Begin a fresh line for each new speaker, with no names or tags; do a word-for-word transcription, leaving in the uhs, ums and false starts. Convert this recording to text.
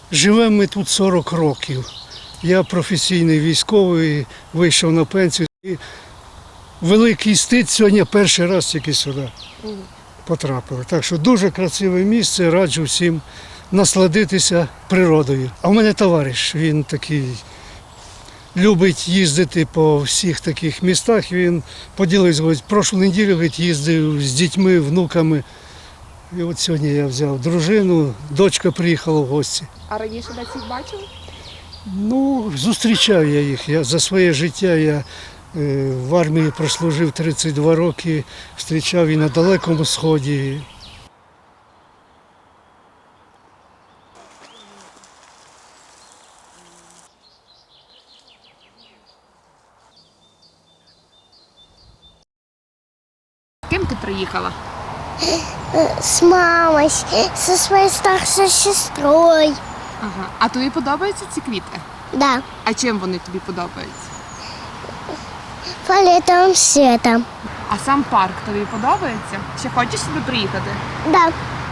Живемо ми тут сорок років. Я професійний військовий, вийшов на пенсію. І великий стид сьогодні перший раз тільки сюди потрапили. Так що дуже красиве місце, раджу всім насладитися природою. А в мене товариш, він такий любить їздити по всіх таких містах. Він поділився, говорить, прошлу неділю говорить, їздив з дітьми, внуками. І от сьогодні я взяв дружину, дочка приїхала в гості.
А раніше десь їх бачили?
Ну, зустрічав я їх. Я, за своє життя я е, в армії прослужив тридцять два роки, зустрічав і на Далекому Сході.
Ким ти приїхала?
С мамой, со своей старшей сестрой.
Ага. А тобі подобаються ці квіти?
Да,
А чим вони тобі подобаються?
фиолетовым цветом.
А сам парк тобі подобається? Ще хочеш сюди приїхати?
Да,